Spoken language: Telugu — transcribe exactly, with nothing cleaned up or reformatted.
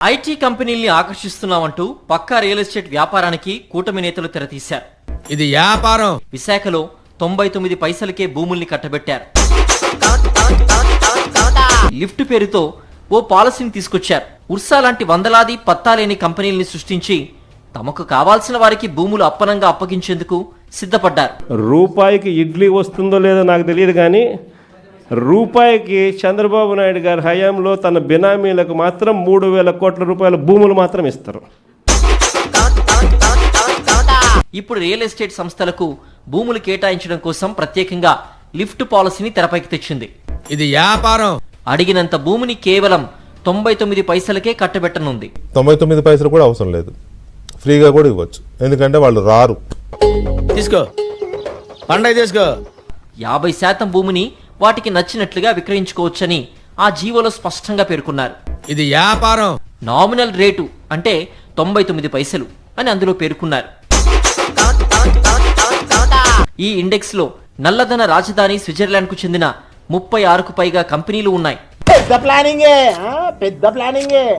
ఐటీ కంపెనీల్ని ఆకర్షిస్తున్నామంటూ పక్కా రియల్ ఎస్టేట్ వ్యాపారానికి కూటమి నేతలు తెరతీశారు. ఇది వ్యాపారం. విశాఖలో తొంభై తొమ్మిది పైసలకే భూముల్ని కట్టబెట్టారు. లిఫ్ట్ పేరుతో ఓ పాలసీని తీసుకొచ్చారు. ఉర్సా లాంటి వందలాది పత్తాలేని కంపెనీల్ని సృష్టించి తమకు కావాల్సిన వారికి భూములు అప్పనంగా అప్పగించేందుకు సిద్ధపడ్డారు. రూపాయికి ఇడ్లీ వస్తుందో లేదో నాకు తెలియదు, కానీ రూపాయికి చంద్రబాబు నాయుడు గారి హయాంలో తన బినామీలకు మాత్రం మూడు వేల కోట్ల రూపాయల భూములు మాత్రం ఇస్తారు. ఇప్పుడు రియల్ ఎస్టేట్ సంస్థలకు భూములు కేటాయించడం కోసం ప్రత్యేకంగా లిఫ్ట్ పాలసీని తెరపైకి తెచ్చింది. ఇది వ్యాపారం. అడిగినంత భూమిని కేవలం తొంభై తొమ్మిది పైసలకే కట్టబెట్టనుంది. తొంభై తొమ్మిది పైసలు కూడా అవసరం లేదు, ఫ్రీగా కూడా ఇవ్వచ్చు, ఎందుకంటే వాళ్ళు రారు. తీసుకో పండగ తీసుకో. యాభై శాతం భూమిని వాటికి నచ్చినట్లుగా విక్రయించుకోవచ్చని ఆ జీవోలో స్పష్టంగా పేర్కొన్నారు. ఇది వ్యాపారం. నామినల్ రేటు అంటే తొంభై తొమ్మిది పైసలు అని అందులో పేర్కొన్నారు. ఈ ఇండెక్స్ లో నల్లధన రాజధాని స్విట్జర్లాండ్ కు చెందిన ముప్పై ఆరుకు పైగా కంపెనీలు ఉన్నాయి. పెద్ద ప్లానింగే పెద్ద ప్లానింగే